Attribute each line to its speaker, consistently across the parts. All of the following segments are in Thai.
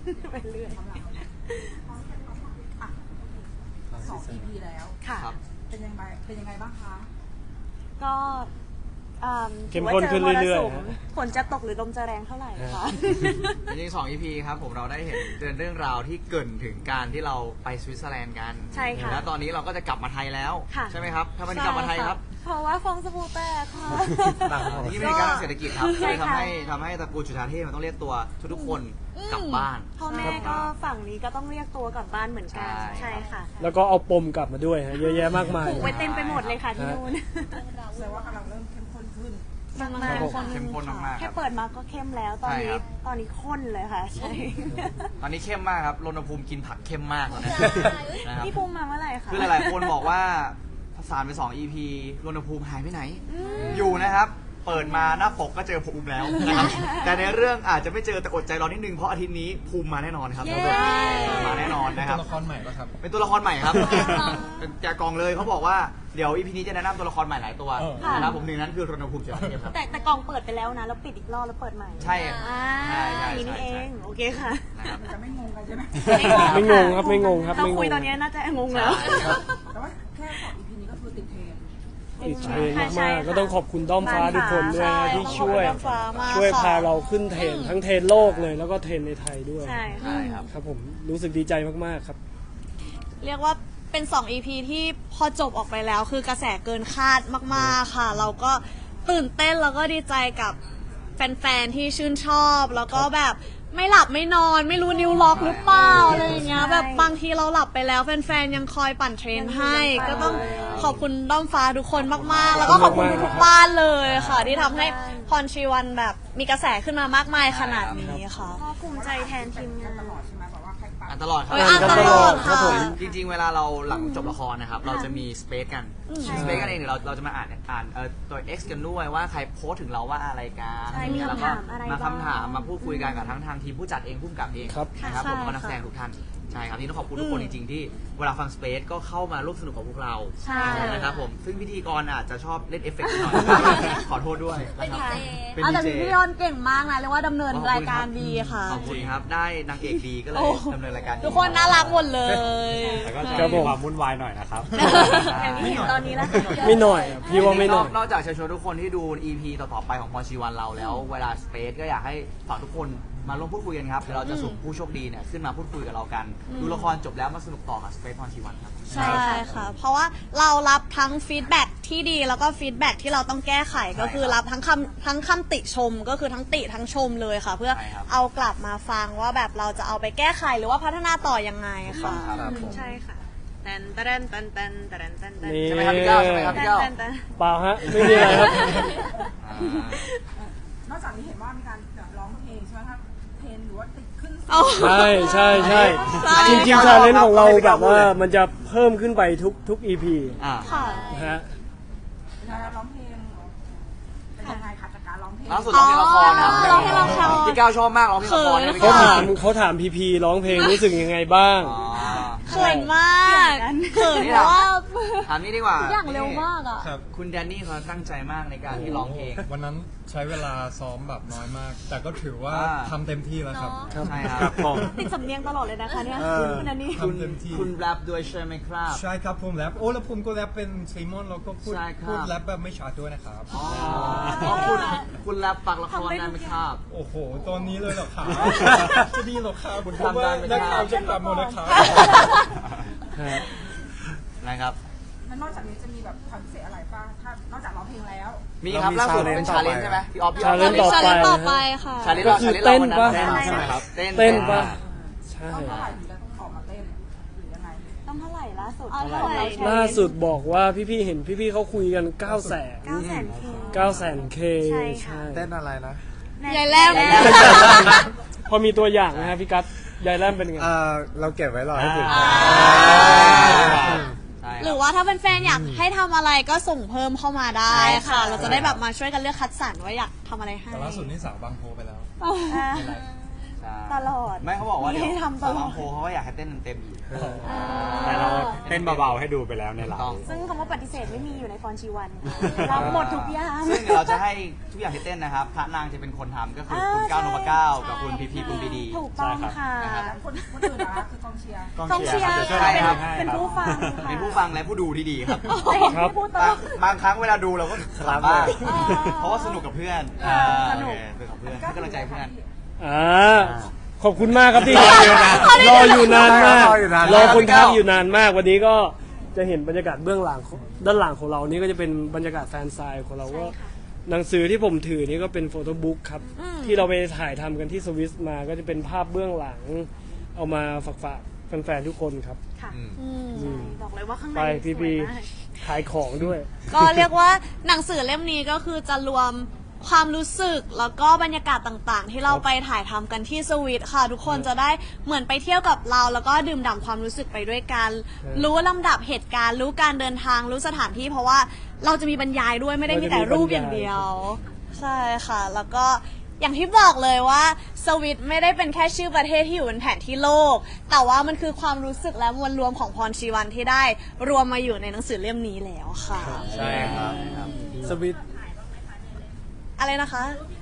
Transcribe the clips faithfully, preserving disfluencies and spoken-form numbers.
Speaker 1: ไปเรื่อย
Speaker 2: สอง อี พี แล้ว
Speaker 1: ค่ะ
Speaker 2: เป็นยังไงเป็นยังไงบ้างคะ
Speaker 1: ก็
Speaker 3: เข้มข้นขึ้นเรื่อย
Speaker 1: ๆฝนจะตกหรือลมจะแรงเท่าไหร่คะ
Speaker 4: จริงๆสอง อี พี ครับผมเราได้เห็นเรื่องราวที่เกิดถึงการที่เราไปสวิตเซอร์แลนด์กัน
Speaker 1: ใช่ค่ะ
Speaker 4: แล้วตอนนี้เราก็จะกลับมาไทยแล้วใช่ไหมครับทำไมถึงกลับมาไทยครับ
Speaker 1: เพราะว่าฟองสบู่แตกค่ะ
Speaker 4: นี่เป็นการเศรษฐกิจครับเลยทำให้ทำให้ตระกูลจุฑาเทพมันต้องเรียกตัวทุกๆคนกลับบ้าน
Speaker 1: พ่อแม่ก็ฝั่งนี้ก็ต้องเรียกตัวกลับบ้านเหมือนกันใช่ค่ะ
Speaker 3: แล้วก็เอาปมกลับมาด้วยฮะเยอะแยะมากมาย
Speaker 1: ผูกไว้เต็มไปหมดเลยค่ะที่นู่น
Speaker 2: แสดงว่ากำลังเริ่มเข้มข้นขึ้น
Speaker 1: มากมาก
Speaker 4: เข้มข้นมาก
Speaker 1: แค่เปิดมาก็เข้มแล้วตอนนี้ตอนนี้ข้นเลยค่ะใช่
Speaker 4: ตอนนี้เข้มมากครับรณภูมิกินผักเข้มมากแล้วนะครับ
Speaker 1: พี่ภูมิมาเมื่อไหร่คะ
Speaker 4: คือหลายๆคนบอกว่าสารไปสอง อี พี รณภูมิหายไปไหนอยู่นะครับเปิดมาหน้าปกก็เจอภูมิแล้วนะครับแต่ในเรื่องอาจจะไม่เจอแต่อดใจรอนิดนึงเพราะอาทิตย์นี้ภูมิมาแน่นอนครับมาแน่นอนนะครับ
Speaker 5: เป็นตัวละครใหม่ป่ะครับ
Speaker 4: เป็นตัวละครใหม่ครับเป็นแกะกองเลยเขาบอกว่าเดี๋ยว อี พี นี้จะแนะนำตัวละครใหม่หลายตัวนะครับผมหนึ่งนั้นคือรณภูมิเฉลิมเทพครับ
Speaker 1: แต่แต่กองเปิดไปแล้วนะแล้วปิดอีกรอบแล้วเปิดใหม่
Speaker 4: ใช่
Speaker 1: อ่านี่เองโอเคค่ะ
Speaker 2: จะไม่งงกันใช่ไหม
Speaker 3: ไม่งงครับไม่งงครับ
Speaker 1: เราคุยตอนนี้น่าจะงงแล้ว
Speaker 2: แต่ว่าแค่สอง อี พี นี้ก็คือติดเทรน
Speaker 3: ติดเทรนมากๆก็ต้องขอบคุณด้อมฟ้าทุกคนด้วยนะที่ช่วยช่วยพาเราขึ้นเทรนทั้งเทรนโลกเลยแล้วก็เทรนในไทยด้วย
Speaker 1: ใช่
Speaker 4: ครับ
Speaker 3: ครับผมรู้สึกดีใจมากๆครับ
Speaker 1: เรียกว่าเป็นสอง อี พี ที่พอจบออกไปแล้วคือกระแสเกินคาดมากๆค่ะเราก็ตื่นเต้นแล้วก็ดีใจกับแฟนๆที่ชื่นชอบแล้วก็แบบไม่หลับไม่นอนไม่รู้นิ้วล็อกหรือเปล่าอะไรอย่างเงี้ยแบบบางทีเราหลับไปแล้วแฟนๆยังคอยปั่นเทรนให้ก็ต้องขอบคุณด้อมฟ้าทุกคนมากๆแล้วก็ขอบคุณทุกบ้านเลยค่ะที่ทำให้พรชีวันแบบมีกระแสขึ้นมามากมายขนาดนี้ค่ะภูมิใจแทนทีมงาน
Speaker 2: ตลอดใช่ไหมแบบว่าใครปั่น
Speaker 4: อ่านตลอดครับ
Speaker 1: อ่านตลอดค่ะ
Speaker 4: จริงๆเวลาเราหลังจบละครนะครับเราจะมีสเปซกันสเปซกันเองเดี๋ยวเราเราจะมาอ่านอ่านตัว X กันด้วยว่าใครโพสถึงเราว่าอะไรกันแล้วก็มาคำถามมาพูดคุยกันกับทั้งทางทีมผู้จัดเองผู้กำกับเองนะครับผมก็นักแสดงทุกท่านใช่ครับที่ต้องขอบคุณทุกคนจริงๆที่เวลาฟังสเปซก็เข้ามาร่วมสนุกกับพวกเรา
Speaker 1: ใช่
Speaker 4: นะครับผมซึ่งพิธีกรอาจจะชอบเล่นเอฟเฟกต์หน่อยขอโทษด้วยนะครับ
Speaker 1: เป็นดีเจแต่พี่ยอนเก่งมากนะเรียกว่าดำเนินรายการดีค่ะ
Speaker 4: ขอบคุณครับได้นางเอกดีก็เลยดำเนินรายการ
Speaker 1: ทุกคนน่ารักหมดเลย
Speaker 5: แต่ก็จะมีความวุ่นวายหน่อยนะครับ
Speaker 1: อย่างที่เห็นตอนนี้แล้ว
Speaker 3: ไม่หน่อยพี่ว่าไม่หน่อย
Speaker 4: นอกจากเชิญชวนทุกคนที่ดู อี พี ต่อๆไปของพรชีวันเราแล้วเวลาสเปซก็อยากให้ฝากทุกคนมาร่วมพูดคุยกันครับเดี๋ยวเราจะสุ่มผู้โชคดีเนี่ยขึ้นมาพูดคุยกับเรากันดูละครจบแล้วมาสนุกต่อกับสเปซพรชีวันครับ
Speaker 1: ใช่ค่ะเพราะว่าเรารับทั้งฟีดแบ็กที่ดีแล้วก็ฟีดแบ็กที่เราต้องแก้ไขก็คือรับทั้งคำทั้งคำติชมก็คือทั้งติทั้งชมเลยค่ะเพื่อเอากลับมาฟังว่าแบบเราจะเอาไปแก้ไขหรือว่าพัฒนาต่อยังไงค่ะใช่ค่ะแตนแตนแตนแตนแตนแตนแตน
Speaker 4: ใช่ไหมครับพี่เก้าใช่ไหมครับพี่เก้า
Speaker 3: เปล่าฮะไม่มีอะไรครับ
Speaker 2: นอกจากนี้เห็นว่ามีการร้องเพลงใช่ไหมครับเพลงหรือว่าติดขึ้น
Speaker 3: ใช่ใช่ใช่จริงจริงชาเลนจ์ของเราแบบว่ามันจะเพิ่มขึ้นไปทุกทุก อี พี
Speaker 1: ค่ะ
Speaker 3: ฮะ
Speaker 2: ร้องเพลงเป็นยังไงคะจากการร้องเพลง
Speaker 4: ล่าสุดร้องเพลงละครนะ
Speaker 1: ร้องเพลงละคร
Speaker 4: พี่ก้าวชอบมากร้องเพลงละคร
Speaker 3: เขาถามเขาถามพีพีร้องเพลงรู้สึกยังไงบ้าง
Speaker 1: เขินมากเขินเพราะว่า
Speaker 4: ถามนี่ดีกว่า
Speaker 1: อย่างเร็วมากอ่ะ
Speaker 4: คุณแดนนี่เขาตั้งใจมากในการที่ร้องเพลง
Speaker 5: วันนั้นใช้เวลาซ้อมแบบน้อยมากแต่ก็ถือว่าทำเต็มที่แล้วครับ
Speaker 4: ใช่ครับผม
Speaker 1: ติดสำเนียงตลอดเลยนะคะเนี่ยคุณแดนนี่
Speaker 5: ทำเต็มที่
Speaker 4: คุณแรปด้วยใช่ไหมครับ
Speaker 5: ใช่ครับผมแรปโอ้แล้วผมก็แรปเป็นซีมอนแล้วก็พูดพูดแรปแบบไม่ชัดด้วยนะครับ
Speaker 4: อ๋อคุณคุณแรปปักละครได้ไหมครับ
Speaker 5: โอ้โหตอนนี้เลยเหรอครับจะดีหรอครับ
Speaker 4: คุณทำได้ไหมครับ
Speaker 5: นักข่าวจะกลับมานะครับ
Speaker 4: นะครับ
Speaker 2: นอกจากนี้จะมีแบบคอนเสิร์ตอะไรป่ะถ้านอกจากร้องเพลงแล้ว
Speaker 4: มีครับล่าสุดเป็นชาเลนจ์ใช่ไหมพี่ออฟพี่ออฟ
Speaker 3: ชาเลนจ์ต่อไป
Speaker 1: ค่ะ
Speaker 4: ชาเลนจ์เราชาเลนจ์เราวันนั้น
Speaker 3: ใช่ไหมครับ
Speaker 4: เต้น
Speaker 3: เต้นป่ะใช่
Speaker 2: ต้องเท่าไหร่ถึงจะออกมาเต้นหรือยังไง
Speaker 1: ต้องเท่าไหร่ล่าสุด
Speaker 3: ล่าสุดบอกว่าพี่ๆเห็นพี่ๆเขาคุยกันเก้าแสน
Speaker 1: เก้าแสนเค
Speaker 3: เก้าแสนเค
Speaker 1: ใช่
Speaker 5: เต้นอะไรนะ
Speaker 1: ยายแรม
Speaker 3: พอมีตัวอย่างนะฮะพี่กั๊ดยายแรมเป็นไง
Speaker 5: เราเก็บไว้รอให้ถึง
Speaker 1: หรือว่าถ้าเป็นแฟนอยากให้ทำอะไรก็ส่งเพิ่มเข้ามาได้ค่ะเราจะได้แบบมาช่วยกันเลือกคัดสรรว่าอยากทำอะไรให้
Speaker 5: แต่ล่าสุดนี่สาวบางโพไปแล้ว
Speaker 4: ใช่
Speaker 6: ตลอด
Speaker 4: ไม่เขาบอกว่าเดี๋ยว
Speaker 6: ให้ทำตลอด
Speaker 4: สาวลำโพเขาก็อยากให้เต้นเต็มๆอีก
Speaker 7: แต่เราเต้นเบาๆให้ดูไปแล้วในไล
Speaker 4: ต้อง
Speaker 7: ฟ์
Speaker 6: ซึ่งคำว่าปฏิเสธไม่มีอยู่ในฟอนชีวันค่ะรับหมดทุกอย่าง
Speaker 4: ซึ่งเดี๋ยวเราจะให้ทุกอย่างที่เต้นนะครับพระนางจะเป็นคนทำก็คือคุณก้าวนพเก้ากับคุณพีพีคุณปีดี
Speaker 6: ถูกต้องค่ะ
Speaker 2: แล้วคนคนอื่นนะคะคือกองเชียร์
Speaker 6: กองเชียร์
Speaker 7: ดี๋วช่วย
Speaker 4: ใช่ครับ
Speaker 7: ให้
Speaker 6: เป็น
Speaker 7: ครับ
Speaker 6: ผู้ฟังค่ะ
Speaker 4: เป็นผู้ฟังและผู้ดูที่ดีครับ
Speaker 3: ครับ
Speaker 6: พูดต่
Speaker 4: บา
Speaker 6: อง
Speaker 4: บางครั้งเวลาดูเราก็
Speaker 7: ครับ
Speaker 4: ขำบ้าง
Speaker 6: อ่า
Speaker 4: เพราะว่าสนุกกับเพื่อน
Speaker 6: อ่า
Speaker 4: อ่า
Speaker 6: สนุก
Speaker 4: โอเคสนุกกับเพื่อนให้กำลังใจเพื่อน
Speaker 3: อ่าขอบคุณมากครับที่รออยู่นานรออยู่นานมาก
Speaker 7: รออยู่นาน
Speaker 3: รอคนทักอยู่นานมากวันนี้ก็จะเห็นบรรยากาศเบื้องหลังของด้านหลังของเรานี่ก็จะเป็นบรรยากาศแฟนไซน์ของเราก็หนังสือที่ผมถือนี่ก็เป็นโฟโต้บุ๊กครับที่เราไปถ่ายทำกันที่สวิสมาก็จะเป็นภาพเบื้องหลัง เอามาฝากฝากแฟนๆทุกคนครับ
Speaker 6: ค่ะ
Speaker 4: อืม
Speaker 1: อืม
Speaker 6: ใช่บอกเลยว่าข้างใน
Speaker 3: ไปพี่
Speaker 6: สว
Speaker 3: พี
Speaker 6: ยมาก
Speaker 3: ขายของด้วย
Speaker 1: ก็เรียกว่าหนังสือเล่มนี้ก็คือจะรวมความรู้สึกแล้วก็บรรยากาศต่างๆ ที่เราไปถ่ายทำกันที่สวิตค่ะ ทุกคนจะได้เหมือนไปเที่ยวกับเรา แล้วก็ดื่มด่ำความรู้สึกไปด้วยกัน
Speaker 3: ครับ
Speaker 1: รู้ลำดับเหตุการณ์ รู้การเดินทางรู้สถานที่ เพราะว่าเราจะมีบรรยายด้วยไม่ได้มีแต่รูปอย่างเดียว ใช่ค่ะ แล้วก็อย่างที่บอกเลยว่าสวิตไม่ได้เป็นแค่ชื่อประเทศที่อยู่บนแผนที่โลก แต่ว่ามันคือความรู้สึกและมวลรวมของพรชีวันที่ได้รวมมาอยู่ในหนังสือเล่มนี้แล้วค่ะ
Speaker 7: ใช่ครับ
Speaker 3: สวิต
Speaker 1: อะไรนะคะ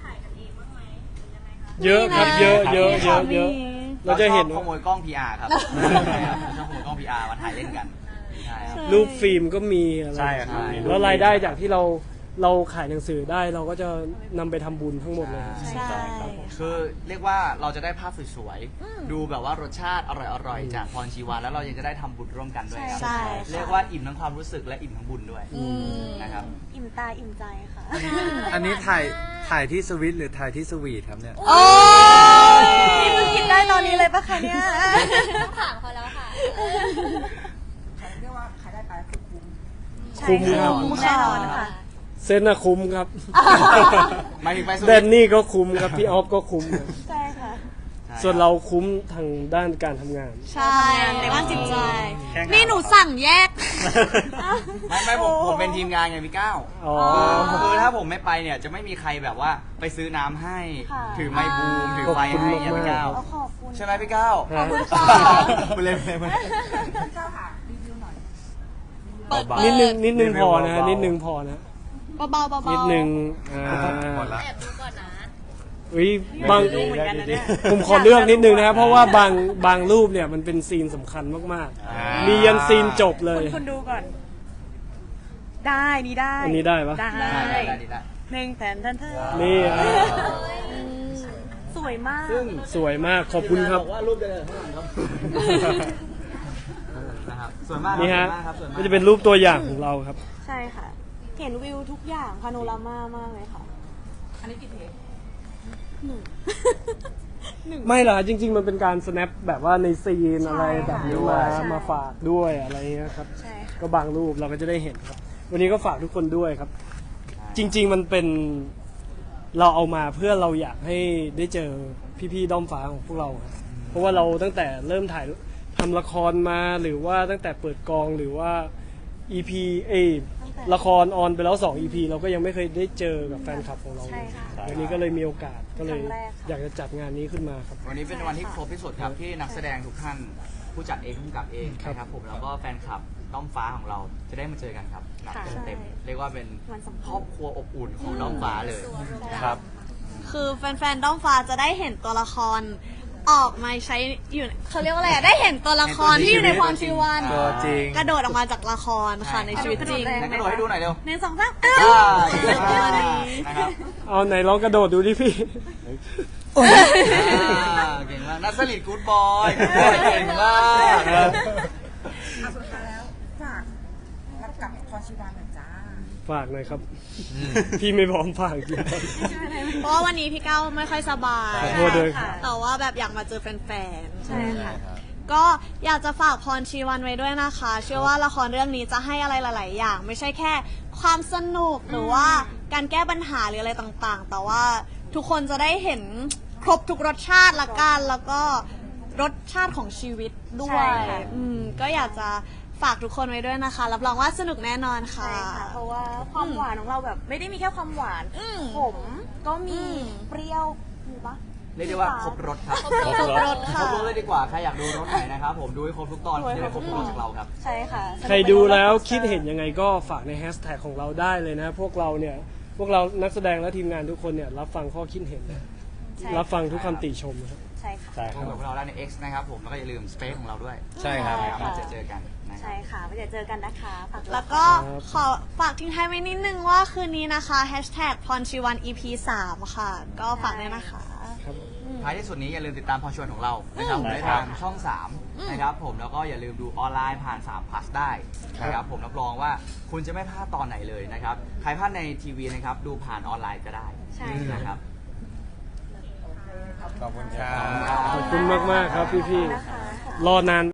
Speaker 3: เยอะครับเยอะเยอะเยอะเยอะ
Speaker 1: มี
Speaker 3: เราจะเห็น
Speaker 4: ชอบขโมยกล้อง พี อาร์ ครับใช่ครับชอบขโมยกล้อง พี อาร์ มาถ่ายเล่นกันใช่ครับ
Speaker 3: รูปฟิล์มก็มีอะไร
Speaker 7: ใช่ครับมีรูป
Speaker 3: แล้วรายได้จากที่เราเราขายหนังสือได้เราก็จะนำไปทำบุญทั้งหมดเลยครับ
Speaker 1: ใช่
Speaker 4: คือเรียกว่าเราจะได้ภาพสวยๆ ดูแบบว่ารสชาติอร่อยๆ จากพรชีวานแล้วเรายังจะได้ทำบุญร่วมกันด้วยครับ
Speaker 1: ใช่
Speaker 4: เรียกว่าอิ่มทั้งความรู้สึกและอิ่มทั้งบุญด้วย
Speaker 1: อืม
Speaker 4: นะครับ
Speaker 6: อิ่มตาอิ่มใจค่ะ
Speaker 7: อันนี้ถ่ายถ่ายที่สวิตหรือถ่ายที่สวีทครับเนี่ย
Speaker 1: โอ้ย
Speaker 6: นี่มึงคิดได้ตอนนี้เลยปะคะเนี่ย
Speaker 2: ขายเรียกว่าขายได้ไปคือคุ้ม
Speaker 3: คุ้มครับ
Speaker 6: คุ้มแน่นอนค่ะ
Speaker 3: เซนนะคุ้มครับ
Speaker 4: หมายถึงไปส
Speaker 3: แด
Speaker 4: วิ
Speaker 3: น
Speaker 4: ต
Speaker 3: นี่ก็คุ้มครับ พี่ออฟก็คุ้มครับ
Speaker 6: ใช่ค่ะ
Speaker 3: ส่วนเราคุ้มทางด้านการทำงาน
Speaker 1: ใช่ในด้านจิตใจ
Speaker 7: แค่งาน
Speaker 1: นี่หนูสั่งแยก
Speaker 4: ไม่ไม่ผมผมเป็นทีมงานไงพี่ก้าว
Speaker 3: อ๋อ
Speaker 4: คือถ้าผมไม่ไปเนี่ยจะไม่มีใครแบบว่าไปซื้อน้ำให้
Speaker 6: ค่ะ
Speaker 4: ถือไมค์บูมถือไฟ
Speaker 3: ขอบคุณ
Speaker 4: ให้อย่าง
Speaker 3: มากๆ
Speaker 4: พี่ก้าว
Speaker 6: เอาขอบคุณ
Speaker 4: ใช่ไหมพี่ก้าว
Speaker 3: ขอบคุณ
Speaker 6: ค่ะ
Speaker 4: ไปเลยไปเลยไปเลย
Speaker 2: พี่เจ้าค่ะรีวิวหน่อย
Speaker 1: เปิด
Speaker 7: เบา
Speaker 3: นิดนึงนิดนึง
Speaker 7: รีวิ
Speaker 3: พ
Speaker 7: ว
Speaker 3: อนะ
Speaker 7: เบาๆ
Speaker 3: นิดนึงพอนะ
Speaker 1: เบาๆเบาๆ
Speaker 3: นิดนึงอ่า
Speaker 7: หมดละ
Speaker 3: อุ้ยบาง
Speaker 6: ดูเหมือนกันนะเนี่ย
Speaker 3: ผมขอเลือกนิดนึงนะครับ เพราะว่าบางบางรูปเนี่ยมันเป็นซีนสำคัญมาก
Speaker 7: อ่า
Speaker 3: ๆ มียันซีนจบเลย
Speaker 6: คุณคุณดูก่อน ได้นี่ได้
Speaker 3: อันนี้ได้ปะ
Speaker 6: ได้
Speaker 4: ได้ได้ได้ได้
Speaker 6: หนึ่งแผนทันเธอ
Speaker 3: นี่อ่ะ
Speaker 6: สวยมาก
Speaker 3: สวยมากขอบคุณครับ
Speaker 4: บอกว่ารูปเดินข้างหลังครับนะครับสวยมากครับ
Speaker 3: นี่ฮะ
Speaker 4: สวยมากครับสวยมาก
Speaker 3: ก็จะเป็นรูปตัวอย่างของเราครับ
Speaker 6: ใช่ค่ะ เห็นวิวทุกอย่างพาโนรามามากเลยค่ะ
Speaker 2: อันนี้กี่เทป
Speaker 3: ไม่หรอกจริง ๆ มันเป็นการ snap แบบว่าในซีนอะไรแบบนี้มา
Speaker 6: ใช่
Speaker 3: มาฝากด้วยอะไรเงี้ยครับ
Speaker 6: ใช่ค่ะ
Speaker 3: ก็บางรูปเราก็จะได้เห็นครับ วันนี้ก็ฝากทุกคนด้วยครับ จริง ๆ มันเป็นเราเอามาเพื่อเราอยากให้ได้เจอพี่ๆด้อมฟ้าของพวกเราครับเพราะว่าเราตั้งแต่เริ่มถ่ายทำละครมาหรือว่าตั้งแต่เปิดกองหรือว่า อี พี เอยละครออนไปแล้วสอง อี พี เราก็ยังไม่เคยได้เจอกับแฟนคลับของเราเล
Speaker 6: ใช่
Speaker 3: ย
Speaker 6: ค่ะ
Speaker 3: วันนี้ก็เลยมีโอกาสก็เลย
Speaker 6: ครั้งแรกค่ะ
Speaker 3: อยากจะจัดงานนี้ขึ้นมาครับ
Speaker 4: วันนี้เป็นวันที่ครบที่สุดครับที่นักแสดงทุกท่านผู้จัดเองผู้กำกับเอง
Speaker 3: ครับ
Speaker 4: นะครับผมแล้วก็แฟนคลับด้อมฟ้าของเราจะได้มาเจอกันครับหนัก
Speaker 6: ค่ะ
Speaker 4: เต็มๆเรียกว่าเป็น
Speaker 6: วันสำคัญ
Speaker 4: ครอบครัวอบอุ่นของด้อมฟ้าเลยนะ
Speaker 7: ค
Speaker 4: ค
Speaker 7: รั
Speaker 4: รับ บ
Speaker 1: คือแฟนๆด้อมฟ้าจะได้เห็นตัวละครออกมาใช้อยู่เขาเรียกว่าอะไรอะได้เห็นตัวละครที่อยู่ในพรชีวัน
Speaker 7: ตัวจริง
Speaker 1: กระโดดออกมาจากละครค่ะในชีวิตจริง
Speaker 6: กระโดดแรง
Speaker 4: งั้นกระโดดให้ดูหน่อยเร็ว
Speaker 1: หนึ่งสองสาม
Speaker 4: อ่า
Speaker 1: อ้าว
Speaker 4: นะครับ
Speaker 3: เอาไหนลองกระโดดดูดิพี่
Speaker 4: อ่าเก่งมากนัทสลิดกู๊ดบอยเก่งมาก
Speaker 2: อ่ะสุดท้ายแล้วฝากรับกับพรชีวานหน่อยจ้า
Speaker 3: ฝากหน่อยครับ พี่ไม่พร้อมฝากจริง
Speaker 1: เพราะว่าวันนี้พี่ก้าวไม่ค่อยสบาย
Speaker 3: ขอโทษด้วย
Speaker 6: ค่ะ
Speaker 1: แต่ว่าแบบอยากมาเจอแฟนๆ
Speaker 6: ใช่ค่ะ
Speaker 1: ก็อยากจะฝากพรชีวันไว้ด้วยนะคะ เชื่อว่าละครเรื่องนี้จะให้อะไรหลาย ๆ อย่าง ไม่ใช่แค่ความสนุกหรือว่าการแก้ปัญหาหรืออะไรต่างๆ แต่ว่าทุกคนจะได้เห็นครบทุกรสชาติละกันแล้วก็รสชาติของชีวิตด้ว
Speaker 6: ใช่
Speaker 1: ย
Speaker 6: ค่ะ
Speaker 1: อืมก็อยากจะฝากทุกคนไว้ด้วยนะคะ รับรองว่าสนุกแน่นอนค่ะ
Speaker 6: ใช่ค่ะ เพราะว่าความหวานของเราแบบไม่ได้มีแค่ความหวาน
Speaker 1: อืม
Speaker 6: ขมก็มี
Speaker 1: อืม
Speaker 6: เปรี้ยวมีปะ
Speaker 4: เรียกได้ว่าครบรถครับ
Speaker 1: ครบรถ
Speaker 4: ครบ
Speaker 1: ค่ะ
Speaker 4: รถเลยดีกว่าใครอยากดูรถไหนนะครับผมดูให้ครบทุกตอนจะได้ครบทุกรถจากเราครับ
Speaker 6: ใช่ค่ะ
Speaker 3: ใครดูแล้วคิดเห็นยังไงก็ฝากในแฮชแท็กของเราได้เลยนะ พวกเราเนี่ยพวกเรานักแสดงและทีมงานทุกคนเนี่ยรับฟังข้อคิดเห็นนะ
Speaker 6: ใช่
Speaker 3: รับฟังทุกคำติชมนะครับ
Speaker 6: ใช่ค่ะ
Speaker 7: ใช่ค
Speaker 4: ข
Speaker 7: รั
Speaker 4: อบ งพวกเราได้ใน X นะครับผมแล้วก็อย่าลืม Space ของเราด้วย
Speaker 7: ใช่ครับ
Speaker 4: นะครับมาเจอเจอกันนะครั
Speaker 6: ใช่
Speaker 4: บ
Speaker 6: ค่ะไปเดี๋ยวเจอกันนะคะฝากด้วย
Speaker 1: แล้วก็
Speaker 3: ครับ
Speaker 1: ขอฝากทิ้งท้ายไว้นิดนึงว่าคืนนี้นะคะแฮชแท็กพรชีวัน อี พี สามค่ะ ก็ฝากด้วยนะคะ
Speaker 3: ครับ
Speaker 4: ท้ายที่สุดนี้อย่าลืมติดตามพอชวนของเรานะครับผม
Speaker 7: ได้
Speaker 4: ได้
Speaker 7: ครับ
Speaker 4: ทางช่องสามนะครับผมแล้วก็อย่าลืมดูออนไลน์ผ่านสาม plus ได้นะครับผมรับรองว่าคุณจะไม่พลาดตอนไหนเลยนะครับใครพลาดในทีวีนะครับดูผ่านออนไลน์ก็ได้
Speaker 6: ใช่
Speaker 4: นะครับ
Speaker 7: ขอบคุณครับ
Speaker 3: ขอบคุณมากๆครับพี่
Speaker 6: นะคะ
Speaker 3: ๆรอนาน